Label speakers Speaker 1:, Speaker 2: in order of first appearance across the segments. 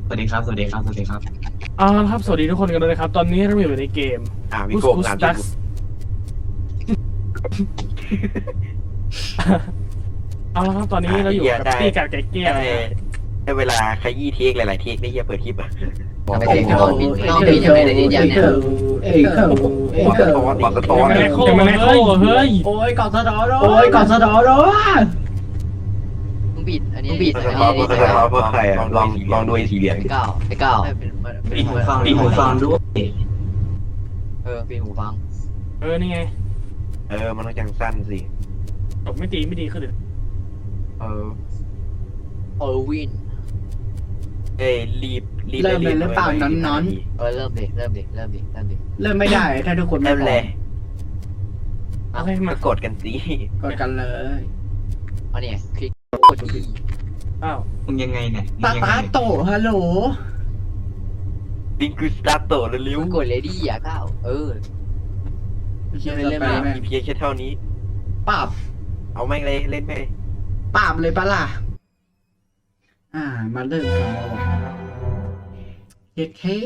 Speaker 1: สวัสดีครับสวัสดีครับสวัสดีครับ
Speaker 2: ครับสวัสดีทุกคนกันด้วยนะครับตอนนี้เราอยู่ในเกม
Speaker 3: วิ
Speaker 2: Goose
Speaker 3: โก้
Speaker 2: Goose
Speaker 3: ตาม
Speaker 2: Ducks เอาละครับตอนนี้เราอยู่กับตี้กัดไก่เกี้ยวนะ
Speaker 3: ได้เวลาขยี้เทคหลายๆเทคได้เหี้ยเปิดคลิปอ่ะ
Speaker 4: ไม่ใช่เขาต้องมีอย่างไรในนี้อย่างเนี้ย
Speaker 3: บอกสะท้อน
Speaker 2: ยังไม่เข้าเฮ้ย
Speaker 5: โอ้ยกอดสะดอร้โอ้ยกอดสะดอร้
Speaker 4: มึงบิดอันนี้บิด
Speaker 3: บอก
Speaker 4: อัน
Speaker 3: สะท้อน
Speaker 4: นี้
Speaker 3: บอกสะท้อนเพื่อใครอ่ะลองดูไอ้สีเหลือง
Speaker 4: ไอ้เก้า
Speaker 1: ปิดหูฟังด้วย
Speaker 4: ปิดหูฟัง
Speaker 2: นี่ไง
Speaker 3: มันต้องจังสั้นสิ
Speaker 2: จบไม่ดีขึ้นเลย
Speaker 4: วิน
Speaker 3: รีบ
Speaker 5: เริ่มเลยหรือเปล่าน้อน
Speaker 4: เริ่มดิ
Speaker 5: เริ่มไม่ได้ถ้าทุกคนไม่
Speaker 3: เริ่ม
Speaker 5: พ
Speaker 3: เล
Speaker 5: ร้อย ม
Speaker 2: โอเคมาก
Speaker 3: ดกันสิ
Speaker 5: กดกันเลย
Speaker 4: อันนี้คลิกกด E
Speaker 2: อ้าว
Speaker 1: มึงยังไงเนี่ย
Speaker 5: ตาตาโตฮัลโหล
Speaker 3: ลิงคือสตาร์โตเร็ว
Speaker 4: มึงกดเลดี้อ่ะเก้า
Speaker 5: เขียน
Speaker 4: เล่
Speaker 5: เล่
Speaker 4: น
Speaker 5: น
Speaker 4: ๆ
Speaker 5: ไป
Speaker 4: มา
Speaker 5: แม่ง
Speaker 3: มีเพียงแค่เท่านี้
Speaker 5: ปราบ
Speaker 3: เอาแม่งเลยเล่นไป
Speaker 5: ปราบเลยปะล่ะมาเริ่มกันแล้วเฮ็ดเฮ้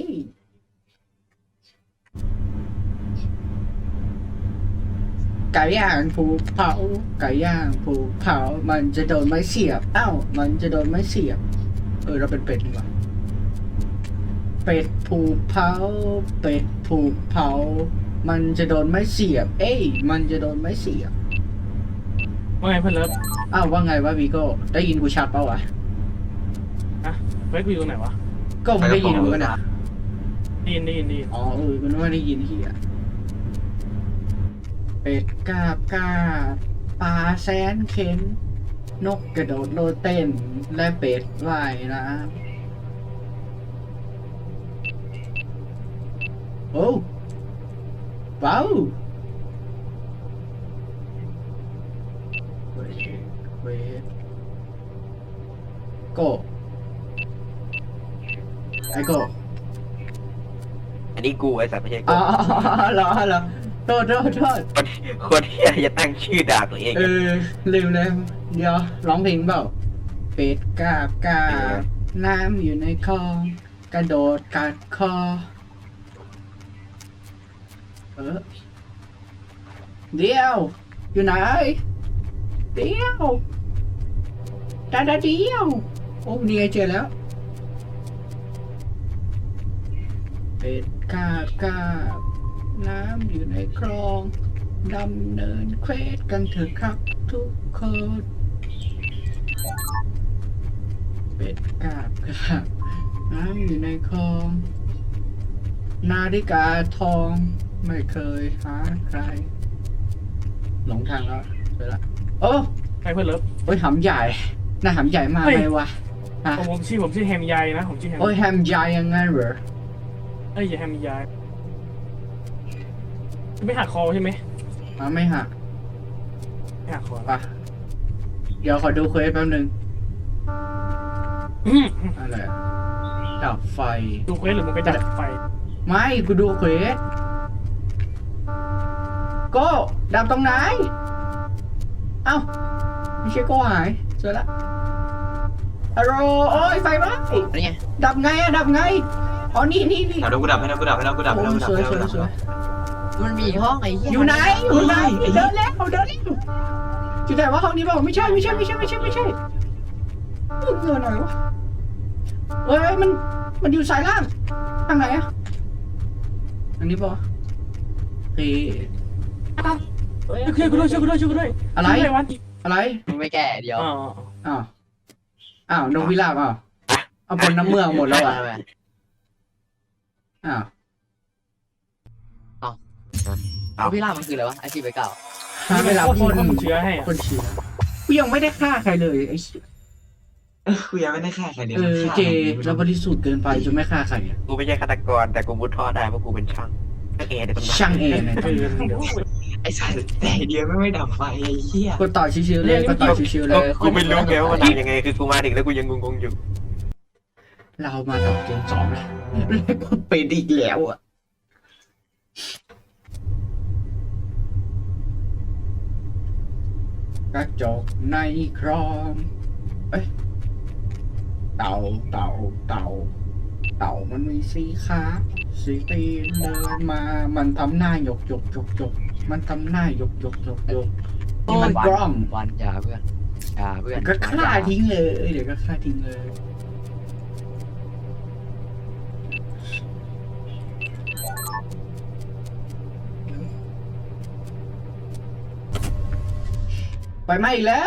Speaker 5: ไก่ย่างผูกเผาไก่ย่างผูกเผามันจะโดนไม้เสียบมันจะโดนไม้เสียบเราเป็นเป็ดดีกว่าเป็ดผูกเผาเป็ดผูกเผามันจะโดนไม้เสียบมันจะโดนไม้เสียบ
Speaker 2: ว่าไงเพื่อนเลิฟ
Speaker 5: ว่าไงวะวีโก้ได้ยินกูชัดเปล่าวะ
Speaker 2: เวกวิวไหนวะ
Speaker 5: ก็ไม่ได้ยินกูนะ
Speaker 2: ได้ยิน
Speaker 5: มันว่าได้ยินที่เป็ดกาบกาปลาแสนเข็นนกกระโดดโลดเต้นและเป็ดว่ายน้ำโอ้ว้าวเวทโกไอโก
Speaker 3: อันนี้กูไอ้สัตว์ไม่ใช่กู
Speaker 5: เหรอโทษ
Speaker 3: คนที่จะตั้งชื่อด่าตัวเอง
Speaker 5: ลืมเลยเดี๋ยวร้องเพลงเปล่าเป็ดกาบกาบน้ำอยู่ในคลองกระโดดกัดคอเดี๋ยวอยู่ไหนเดี๋ยวดาเดียวโอ้นี่ไงเจอแล้วเป็ดกาบกาบน้ำอยู่ในคลองดำเนินเควสกันเถอะครับทุกคนเป็ดกาบกาบน้ำอยู่ในคลองนาฬิกาทองไม่เคยหาใครหลงทางแล้วเจอละโอ้
Speaker 2: ใครเพื่อนเลิฟ
Speaker 5: โอ้ยหำใหญ่หน้าหำใหญ่มากเลยวะ
Speaker 2: ผมชื่อแฮมยายนะผมชื่อแฮม
Speaker 5: โอ้ยแฮมใหญ่ยังไงเหรอ
Speaker 2: อย่าแฮมยายไม่หักคอใช่ไหม
Speaker 5: ไม่หัก
Speaker 2: ไม่หักคอ
Speaker 5: ปะเดี๋ยวขอดูเควสแป๊บนึงอะไรดับไฟ
Speaker 2: ดูเควสหรือมึงไปดับไฟ
Speaker 5: ไม่กูดูเควสโก้ดับตรงไหนเอ้าไม่ใช่โก้หายเจอละอะโรโอ้ยไฟไหม้
Speaker 4: อันนี้
Speaker 5: ดับไงอ๋อนี่
Speaker 1: เอาเดี๋ยวกูดับให้นะกูดับให้นะกูดับให้นะกูดับ
Speaker 5: สวย
Speaker 1: ให้นะ
Speaker 5: สวย
Speaker 4: มันมีห้องไอ้เหี้ย
Speaker 5: อยู่ไหนเดินแล้วอยู่ไหนวะห้องนี้เปล่าไม่ใช่เงินหน่อยวะเอ้ยมันอยู่สายล่างทางไหนอะอันนี้ป่ะเฮ้ย
Speaker 2: ช่วยกูด้วย
Speaker 5: อะไร
Speaker 2: วัน
Speaker 5: อะไร
Speaker 4: มึงไม่แก่เดี๋ยว
Speaker 5: อ้าวนกพิราบเอาบนน้ำเมืองหมดแล้วอ่ะอ้าว
Speaker 4: พี่ล่ามันคืออะไรวะไอชีพไปเก่า
Speaker 5: หาเวลาพ่น
Speaker 2: เชื้อให้
Speaker 5: คนเชื้อกูยังไม่ได้ฆ่าใครเลยไอ้
Speaker 1: กูยังไม่ได้ฆ่าใครเลย
Speaker 5: เจแล้วบริสุทธิ์เกินไปจนไม่ฆ่าใครอ่ะ
Speaker 3: กูไม่ใช่ฆาตกรแต่กูมุดท่อได้เพราะกูเป็นช่างเอเดี๋ยวต้อง
Speaker 5: ช่างเองนะ
Speaker 1: ไอ้สัตว์แต่เดียวไม่ดับไฟไอ้เหี้ย
Speaker 5: กดต่อชิวๆเลยกดต่อชิวๆเลย
Speaker 3: กูไม่รู้ไงว่ามันทำยังไงคือกูมาถึงแล้วกูยังงงๆอยู่
Speaker 5: เรามาต่อเกม2แล้วก็เป็นอีกแล้วอ่ะกระจกในครอมเต่าเต่ามันมีสีขาสีตีนเดินมา มันทำหน้าหยกหยกหยกหยกมันทำหน้าหยกหยกหยกหยกนี่มันกล้อง
Speaker 4: วันอย่าเพื่อนอย่าเพื่อน
Speaker 5: เดี๋ยวก็ฆ่าทิ้งเลยเดี๋ยวก็ฆ่าทิ้งเลยไปไหม้อีกแล้ว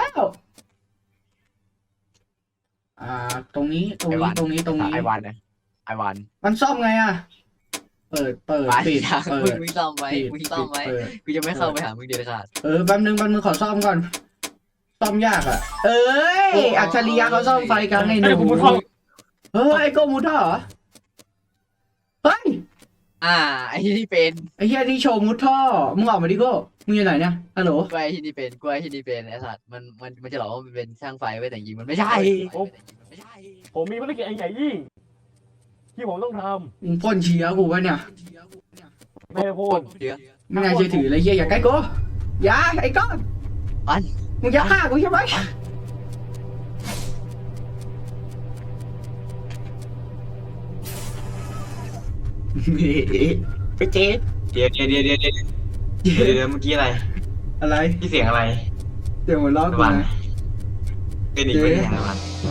Speaker 5: ตรงนี้ตรงนี้ตรงนี้ตรงนี้
Speaker 4: ไอวันนะไอวัน
Speaker 5: มันซ่อมไงอ่ะ เปิด ปิด เปิด
Speaker 4: มึงซ่อมไว้
Speaker 5: ปิด
Speaker 4: มึงซ่อมไว้
Speaker 5: เปิด
Speaker 4: กูจะไม่เข้าไปหามึงเด็ดขาด
Speaker 5: แป๊บนึงขอซ่อมก่อน ซ่อมยากอ่ะ เอ้ย อัจฉริยะเขาซ่อมไฟกันไอ้ห
Speaker 2: ไอ้
Speaker 5: นู
Speaker 2: ผมมุดท่อ
Speaker 5: เฮ้ย ไอ้โกมูท่อเหรอ เฮ้ย
Speaker 4: ไอ้ที่นี่เป็น
Speaker 5: ไอ้เฮียนี่โชว์มุดท่อ มึงออกมาดิโก้มึงอยู่ไหนเนี่ยฮัลโหล
Speaker 4: กล้วยที่นี่เป็นกล้วยที่นี่เป็นไอ้สัตว์มันจะหลอกว่ามันเป็นช่างไฟไว้แต่จริงมันไม่ใช่ ไม่ใช่
Speaker 2: ผมมีภารกิจอันใหญ่ยิ่งที่ผมต้องท
Speaker 5: มึงพ่นเชียร์กูวะเนี่ย
Speaker 2: ำไม่ได้พูด
Speaker 4: เดี๋ยว
Speaker 5: ไม่น่าเชื่อถือเลยเฮียอย่าใกล้กูอย่าไอ้ก้อน
Speaker 4: อัน
Speaker 5: มึงจะฆ่ากูใช่ไหม ไปเจ๊
Speaker 1: เดี๋ยวเมื่อกี้อะไร
Speaker 5: อะไร
Speaker 1: พี่เสียงอะไร
Speaker 5: เดี๋ยวหัวล้อ
Speaker 1: ตะ
Speaker 5: กู
Speaker 1: วัน
Speaker 5: นะ
Speaker 1: เป็นอีกไม่ใช่ตะวัน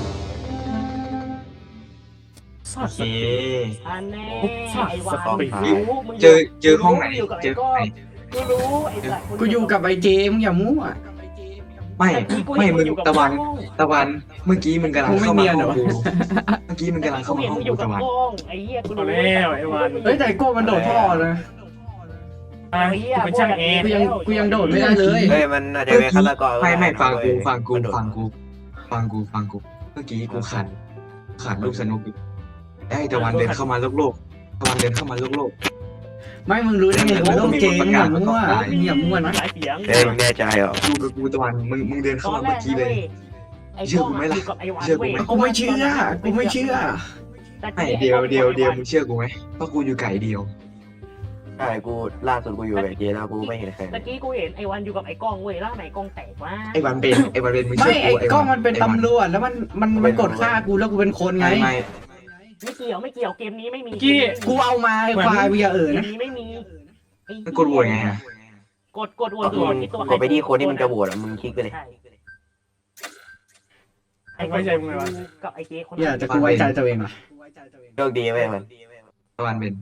Speaker 2: สั
Speaker 1: โอ
Speaker 2: ตว์
Speaker 1: เค
Speaker 2: อันแน่ไอ้วันรู้มึง
Speaker 1: เจอห้องไหน
Speaker 2: ยู่กับ
Speaker 1: เจ
Speaker 2: ไอ้
Speaker 1: อห้
Speaker 2: ก้
Speaker 1: อง
Speaker 2: อ
Speaker 1: ไหน
Speaker 2: กูรู้ไอ้สัตว์
Speaker 5: กูอยู่กับไอ้เจมึงอย่ามั่ว
Speaker 1: ไม่มึงตะวันเมื่อกี้มึงกำลังเข้ามาห้องกูเมื่อกี้มึงกำลัง
Speaker 2: เขา
Speaker 1: เข้ามา
Speaker 2: เห็น
Speaker 1: ห้อง
Speaker 2: มึงอ
Speaker 1: กู
Speaker 2: ยู่กับ
Speaker 1: ตะวัน
Speaker 2: กล้องไอ้เหี้ยกูรู้
Speaker 6: แล้วไอ้วัน
Speaker 5: เฮ้ยแต่ไอ้โก้มันโดดท่อเลย
Speaker 2: ไอ้เหี้ย
Speaker 6: กูเป็นช่างแอร์
Speaker 5: กูยังโดดไม่ได้เลย
Speaker 3: เฮ้ยมันอาจจะเป็นฆาตกร
Speaker 1: ไม่ฟังกูเมื่อกี้กูขาดลูกสนุกอยู่ไอ้ตะวันเดินเข้ามาโลกตะวันเดินเข้ามาโลก
Speaker 5: ไม่มึงรู้ได้ไงว่าต้องเจมึงอย่ามั่วอย่ามั่วนะ
Speaker 2: หลายเสียง
Speaker 3: เฮ้ยมึงแน่ใจเหรอ
Speaker 1: ดูกับกูตะวันมึงเดินเข้า
Speaker 2: ตอ
Speaker 1: มาน
Speaker 2: แร
Speaker 1: เมื่อก กี้เลย
Speaker 2: ไอ้
Speaker 1: เชื่
Speaker 2: ก
Speaker 1: อ
Speaker 2: ล้อง
Speaker 1: กูไหมล่ะ
Speaker 2: ยู่กับไอ้วัน
Speaker 1: เชื่อกูไหม
Speaker 5: กูไม่เชื่อ
Speaker 1: ไม่เดียวมึงเชื่อกูไหมเพราะกูอยู่ไก่เดียว
Speaker 3: ใช่กูล่าสุดกูอยู่กับเจแล้วกูไม่เห็นใคร
Speaker 2: ตะกี้กูเห็นไอ้วันอยู่กับไอ้กล้องเว้ยแล้วไหนกล้องแตกวะ
Speaker 1: ไอ้วันเป็นมึง
Speaker 5: ไม่
Speaker 1: เชื่อ
Speaker 5: ไอ้
Speaker 1: กู
Speaker 5: กล้องมันเป็นตำรวจแล้วมันกดฆ่ากูแล้วกูเป็นคนไง
Speaker 1: ไม่
Speaker 2: ไม่เกี่ยวเกมนี้ไม่มี
Speaker 5: กูเอามาไอ้ควายอย่า
Speaker 2: เกม
Speaker 5: นะ
Speaker 2: นี้ไม่มี
Speaker 1: กดโหวตไงอะ
Speaker 2: กดโหวตที่ตัว
Speaker 3: กดไปที่คนที่มึงจะโหวตอ่ะมึงคลิกไปเลย
Speaker 2: ใช่
Speaker 6: ไว้ใจมึงไงวะ
Speaker 2: กับไอ้เจ๊คน
Speaker 5: อย่าแต่กูไว้ใจตัวเองว่ะ
Speaker 3: โชคดีไหมมัน
Speaker 1: ตะวันเป็น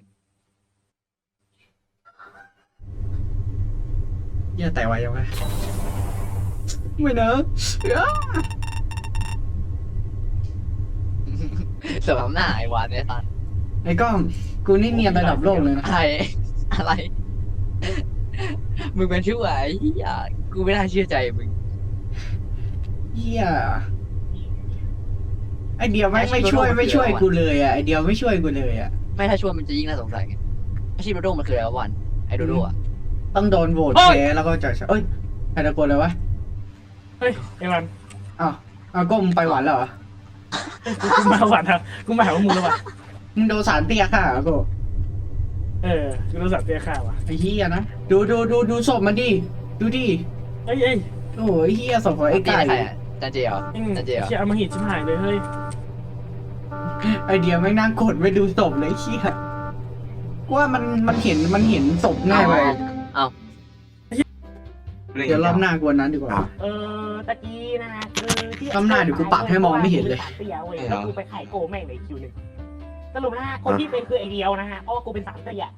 Speaker 5: อย่าแต่ไว้ยังไงไม่เนอะ
Speaker 4: สำหรับหน้าไอวันเนี่ยสัตว์
Speaker 5: ไอ้กล้องกูนี่เนียนระดับโลกเลยนะ
Speaker 4: อะไรมึงเป็นชื่อไอ้เหี้ยกูไม่น่าเชื่อใจมึง
Speaker 5: เฮียไอเดียวไม่ช่วยกูเลยอ่ะไอเดียวไม่ช่วยกูเลยอ่ะ
Speaker 4: ไม่ถ้าช่วยมันจะยิ่งน่าสงสัยไงอาชีพโดโดมันคืออะไรวะวันไอโดโดอ่ะ
Speaker 5: ต้องโดนโหวตแพ้แล้วก็จะเอ้ยใครตะโกนเลยวะ
Speaker 6: เฮ้ยไอ้วัน
Speaker 5: อ้าวก้มไปหวานแล้วเหรอ
Speaker 6: กูมาหวัดนะกูมาหาว่ามึงแล้ววะ
Speaker 5: มึงโดนสารเตี้ยค่ะกู
Speaker 6: กูรู้สักเตี้ยข้าวว่ะ
Speaker 5: ไอ้เฮียนะดูศพมันดิดูดิ
Speaker 6: เอ้ย
Speaker 5: โอ้ยเฮียศพของไอ้ไก่
Speaker 4: ใครอ่ะจันเจียว
Speaker 6: เชี่ยเอามาหิดชิบหายเลยเฮ้ย
Speaker 5: ไอเดียวไม่นั่งกดไปดูศพเลยเฮียว่ามันเห็นศพง่ายไปเดี๋ยวรอบหน้ากวนนั้นดีกว่า
Speaker 2: ตะกี้นะคือที่
Speaker 5: รอบหน้าเดี๋ยวกูปรับให้มองไม่เห็นเลย
Speaker 2: แล้วกูไปขายโกแม่งในคิวหนึ่งสรุปนะฮะคนที่เป็นคือไอเดียวนะฮะเพราะว่ากูเป็นสามเตี้ย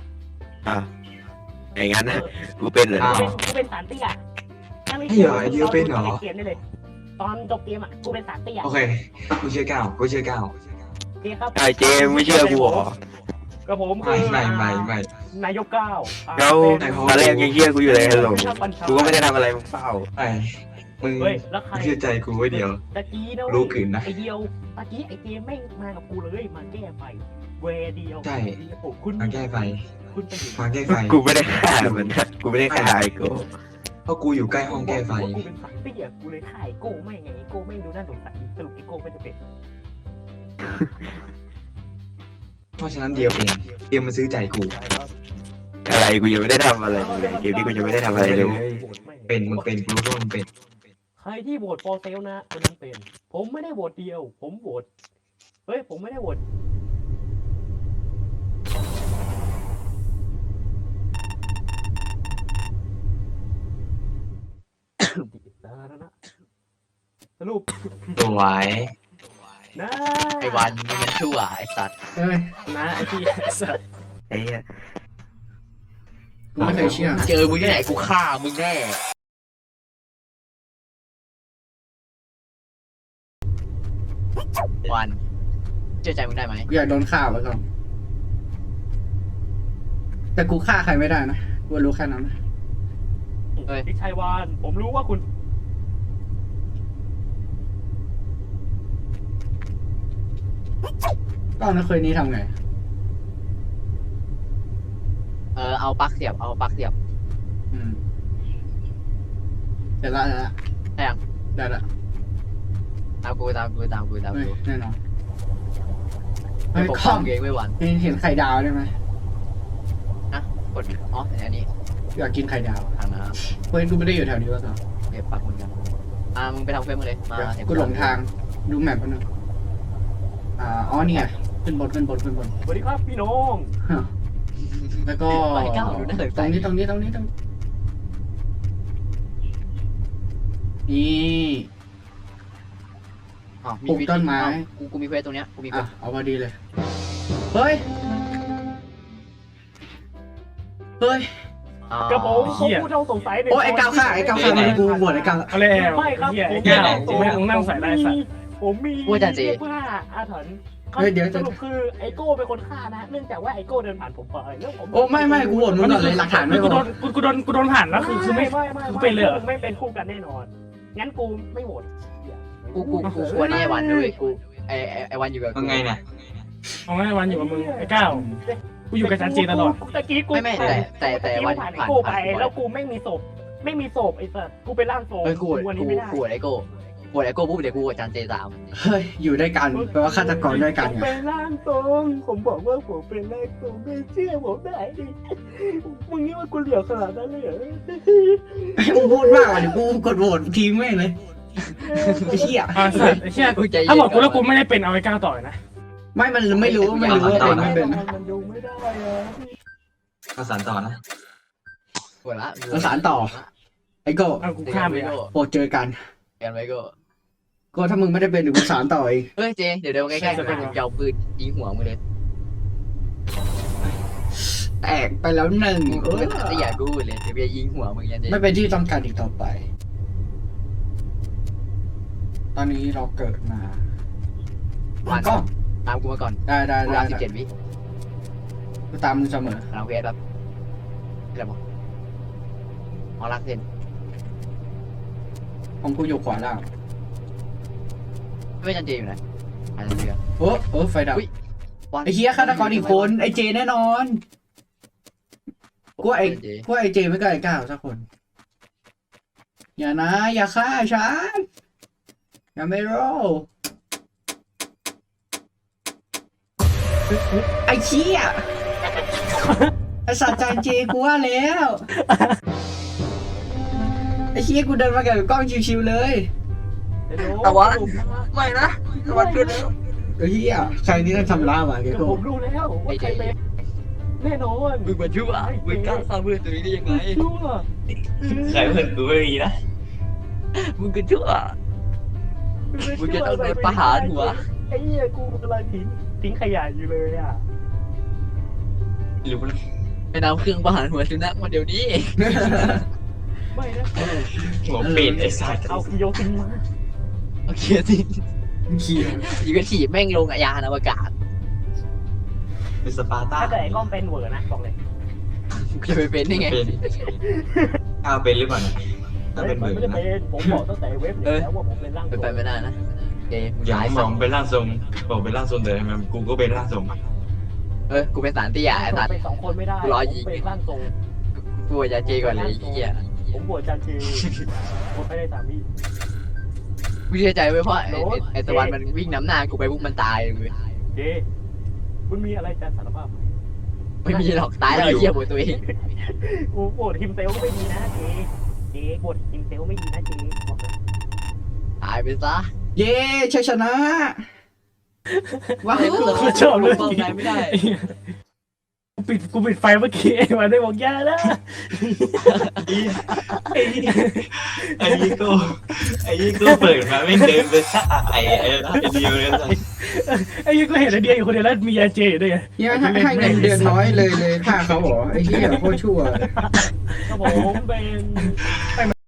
Speaker 3: อย่างนั้นนะกูเป็นเลย
Speaker 2: กูเป็นสามเตี้ยเกมได้เลยตอนจบเกมอ่ะกูเป็นสามเตี้ย
Speaker 1: โอเคกูเชื่อก้าว
Speaker 3: ไอ้เจไม่เชื่อกูหรอ
Speaker 2: กับผม
Speaker 1: ไม่
Speaker 2: นายกเก้า
Speaker 3: แล้วตอนแรกยังเชื่อกูอยู่เลยฮัลโหลกูก็ไม่ได้ทำอะไรมึงเปล่า
Speaker 1: ไอ้มึง
Speaker 2: เฮ้ยแล้วใคร
Speaker 1: เชื่อใจกูไว้เดียว
Speaker 2: ตะกี้นะ
Speaker 1: รู้ขืนนะ
Speaker 2: ไอเดียวตะกี้ไอเกมไม่มากับกูเลยมาแก้ไฟเวเดียว
Speaker 1: ใช่
Speaker 2: คุณ
Speaker 1: มาแก้ไฟ
Speaker 2: คุณไปอยู่
Speaker 1: มาแก้ไฟ
Speaker 3: กูไม่ได้ฆ่ามันกูไม่ได้ฆ่าไอ้กู
Speaker 1: เพราะกูอยู่ใกล้ห้องแก้ไฟ
Speaker 2: กูเป็นสายเตี้ยกูเลยถ่ายโก้ไม่ไงโก้ไม่ดูน่าสงสัยสรุปไอโก้ไม่จะเป็น
Speaker 1: เพราะฉะนั้นเดียวมันซื้อใจกู
Speaker 3: อะไรกูยังไม่ได้ทำอะไรเลยเกมนี้กูยังไม่ได้ทำอะไรเลย
Speaker 1: มึงเป็นกูรู้ว่ามึงเป็น
Speaker 2: ใครที่โหวตฟอร์เซลนะคนนั้นเป็นผมไม่ได้โหวตเดียวผมโหวตผมไม่ได้โหวตสรุป
Speaker 1: สวย
Speaker 2: นะ
Speaker 4: ไอ้วันมึงยังชั่วไอ้สัตว์
Speaker 5: เอ้ย
Speaker 6: นะไอ้ที่สัตว์
Speaker 3: ไอ้เหี้ย
Speaker 5: กูไม่เคยเชื่อ
Speaker 4: เจอมึงที่ไหนกูฆ่ามึงแน่วันเชื่อใจมึงได้ไหม
Speaker 5: กูอยากโดนฆ่าไว้ก่อนแต่กูฆ่าใครไม่ได้นะกูรู้แค่นั้นนะ
Speaker 2: พี่ชัยวานผมรู้ว่าคุณ
Speaker 5: ก็เอาในเคยนี้ทำไง
Speaker 4: เอาปลั๊กเสียบเอาปลั๊กเสียบ
Speaker 5: อืมเดี๋ยวละ
Speaker 4: ได้ยัง
Speaker 5: ได้ละ
Speaker 4: ตามกูตามกูตามกูตาม
Speaker 5: เฮ้ย
Speaker 4: กู
Speaker 5: แน่นอน
Speaker 4: ไม่
Speaker 5: เฮ้ย
Speaker 4: ปก
Speaker 5: ค
Speaker 4: ป้
Speaker 5: อ
Speaker 4: อง
Speaker 5: ม
Speaker 4: เองไม่หวั่น
Speaker 5: เห็นไข่ดาวได้ไหม
Speaker 4: กดอ๋ออันนี้
Speaker 5: อยากกินไข่ดาว
Speaker 4: ทางน้
Speaker 5: เฮ้ยกูไม่ได้อยู่แถวนี้วะต่อ
Speaker 4: ำเก็บปลั๊กเหมือนกันมึงไปทำเฟซมึงเลยมาเห็น
Speaker 5: กูหลงทางดูแมปแป๊บนึงอ๋อนี่ไงขึ้นบน
Speaker 2: สวัสดีครับพี่น้อง
Speaker 5: แล้วก็
Speaker 4: ไปก้าวดูน่าสน
Speaker 5: ต
Speaker 4: ใจ
Speaker 5: รงนี้นี่ปลูกต้นไม้
Speaker 4: กูมีเฟซตรงเนี้ยกูมีเฟ
Speaker 5: อ่ะ
Speaker 4: ซ
Speaker 5: เอาพอดีเลย เฮ้ย
Speaker 2: กระผมผมผู้ต้องสงสัย
Speaker 5: โอ้ไอ้ก้าวฆ่ามันกูบวชไอ้ก้าว
Speaker 6: เอาแล้ว
Speaker 2: ไม่ครับ
Speaker 6: เหี้ย
Speaker 2: ผ
Speaker 6: ไอ้
Speaker 2: ม
Speaker 6: แก้วมึงนั่งใส่ได้สัตว์
Speaker 2: ผมมีเสื้อผ้าอาถรรพ์
Speaker 5: เฮ้ยเดี๋ยว
Speaker 2: สรุปคือไอโก้เป็นคนฆ่านะเนื่องจากว่าไอโก้เดินผ่านผมไปแล้วผม
Speaker 5: โอ้ไม่กูบวชมึงก่อนเลยหลักฐานไม่พ
Speaker 6: กูโด
Speaker 5: อน
Speaker 6: กูโดนผ่านแล้วคือไม่ กูเป็นเลยเหรอ
Speaker 2: ไม่เป็นคู่กันแน่นอน งั้นกูไม่โหวต
Speaker 4: กูกลัวนี่ไอ้วันด้วยกูไอ้วันอยู่กับ
Speaker 1: ว่าไงเนี่ย
Speaker 6: เอาไงวันอยู่กับมึงไอ้ก้าวกูอยู่กับจันจีตลอด
Speaker 2: ตะกี้กู
Speaker 4: ไม่แต่วัน
Speaker 2: ผ่านไอ
Speaker 4: ผ่าน
Speaker 2: โก้ไปแล้วกูไม่มีศพไอ้สัสกูเป็นร่างทรง
Speaker 4: เฮ้ยกู
Speaker 2: วันนี้ไม่ได้
Speaker 4: ปวดไอโก้ปวดไอโก้ปุ๊บเดี๋ยวกูกับจันเจตาม
Speaker 5: เฮ้ยอยู่ด้วยกันแปลว่าฆาตกรด้วยกัน
Speaker 2: ผม
Speaker 5: ไง
Speaker 2: เป็นร่างทรงผมบอกว่าผมเป็นร่างทรงไม่เชื่อผมได้ดิมึงนี่ว่ากูเหลียวขนาดนั้นเลยเหรอ
Speaker 5: มึงพูดมากอ่ะเดี๋ยวกูกดโหวตทีมแม่งเลยไอ้เหี้ย
Speaker 6: อ่าสัตว์ไอ้เชี่ย
Speaker 4: กูใจเย็น
Speaker 6: ถ้าบอกกูแล้วกูไม่ได้เป็นเอาไอ้ก้าวต่อยนะ
Speaker 5: มันไม่รู้ว่าเป็นไม่เป็น
Speaker 2: มันดูไม่ได้อะ
Speaker 1: ก็สานต่อนะ
Speaker 4: ปวดละ
Speaker 5: ประสานต่อ ไอ้โก้
Speaker 6: เอากูข้ามไป
Speaker 4: ไอ
Speaker 6: อ่ะ
Speaker 4: โก้
Speaker 5: โปรดเจอกัน
Speaker 4: กันไอโก้
Speaker 5: ก็ถ้ามึงไม่ได้เป็นเดี๋ยวกูสานต่อเอง
Speaker 4: เฮ้ยเจเดี๋ยวใกล้ๆกูจะเอาปืนยิงหัวมึงเลย
Speaker 5: แตกไปแล้วหนึ่ง
Speaker 4: กูเป็นตะหยากูเลยเดี๋ยวจะยิงหัวมึงยันเจ
Speaker 5: ไม่เป็นที่ต้องการอีกต่อไป ตอนนี้เราเกิดมา
Speaker 4: วัน
Speaker 5: ก็
Speaker 4: ตามกูมาก่อน
Speaker 5: ได้
Speaker 4: กูรับ17 วิ
Speaker 5: กูตามมึงเสมอ
Speaker 4: ตามเวสครับอะไรบอกอ๋อรักเซน
Speaker 5: ของกูอยู่ขวาล่าง
Speaker 4: ไม่จันเจอยู่ไหนจันเจ
Speaker 5: ไฟดับ
Speaker 4: วัน
Speaker 5: ไอ้เฮียฆาตกรอีกคนไอ้เจแน่นอนกูไอ้เจไม่ก็ไอ้ก้าวสักคน อย่านะ อย่าฆ่าฉันอย่าไม่รอไอ้เชี่ยไอ้สัตว์จานเจกูว่าแล้วไอ้เชี่ยกูเดินมากับกล้องชิวๆเลย
Speaker 3: ตะวันไม่นะตะวันขึ้นแล้ว
Speaker 5: ไอ้เฮียใครนี่ต้องทำล่ามาแก
Speaker 2: ก็
Speaker 5: กู
Speaker 2: ผมรู้แล้วว่าใครเป็นแน่นอน
Speaker 4: มึงมาชั่วมึงกล้าฆ่าเพื่อนตัวนี้ได้ยังไง
Speaker 2: ชั่ว
Speaker 1: ใครเพื่อนกูไม่มีนะ
Speaker 4: มึงก็ชั่ว มึงจะต้องโดนประหารหัว
Speaker 2: ไอ้เหี้ยกูกำลังทิ้งขยะอยู่เลยอ่ะ
Speaker 1: รู้นะ
Speaker 4: ไปนำเครื่องประหารหัวสุนัขมาเดี๋ยวนี้
Speaker 2: ไม่นะ
Speaker 1: หัวเป็ดไอ้สัตว์
Speaker 2: เอากิโยตินมา
Speaker 4: โอเคสิ
Speaker 5: เขีย
Speaker 4: ยิงก็ถีบแม่งลงยานอวกาศ
Speaker 1: เป็นสปาร์ต้า
Speaker 2: ถ้าเกิดไอ้ก้องเป็นเวอร์นะบอกเลย
Speaker 4: จะไปเป็นได้ไง
Speaker 1: เป็นก้าวเป็นหรือเปล่าเนี่ยถ้าเป็นเหมือน
Speaker 2: ไม่ได้
Speaker 1: นะ
Speaker 2: เป็นผมบอกตั้งแต่เว็บเลยแล้วว่าผมเป็นร่าง
Speaker 4: เป็นไปไม่ได้นะเจมึง
Speaker 1: อย่าง
Speaker 4: ร้าย
Speaker 1: ม
Speaker 4: สั
Speaker 1: อ
Speaker 4: ต
Speaker 1: ง
Speaker 4: ว์
Speaker 1: เป็นร่างทรงบอกเป็นร่างทรงแต่ทำไมกูก็เป็นร่างทรง
Speaker 4: กูเป็นสารที่ใหญ่สัตว์
Speaker 2: เป็น2 คนไม่ได้
Speaker 4: รอยิง
Speaker 2: ผมเป็นร่างทรง
Speaker 4: กูจะเจก่อนเลยไอ้เหี้ย
Speaker 2: ผมบวชจันทีผมไม่ได้3 วิ
Speaker 4: กูเชื่อใจไว้เพราะไอ้ตะวันมันวิ่งน้ำหน้ากูไปปุ๊บมันตายเลย
Speaker 2: เจคุณมีอะไรจะสารภาพ
Speaker 4: ไม่มีหรอกตายแล้วไอ้เหี้ยหัวตัวเอง
Speaker 2: กูบวชทีมเซลก็ไม่ดีนะเจบวชทีมเซลไม่ดีนะเจบอกเลย
Speaker 4: ตายไปซะ
Speaker 5: เย้ชัยชนะว้าว
Speaker 6: กูชอบเลย
Speaker 4: ป้องกันไม่ได้
Speaker 6: กูปิดไฟเมื่อกี้ไอ้วันได้บอกย่านะ
Speaker 1: ไอ้ยี่ก็เปิดมาไม่เดินไปซะไอ้เดียวเลย
Speaker 6: ไอ้ยี่ก็เห็นไอเดียอยู่คนเดียวแล้วมียาเจอยู่ด้วยไง
Speaker 5: เนี่ยให้เงินเดือนน้อยเลยฆ่าเขาเหรอไอ้เหี้ยโคตรชั่ว
Speaker 6: ครับผมเป็น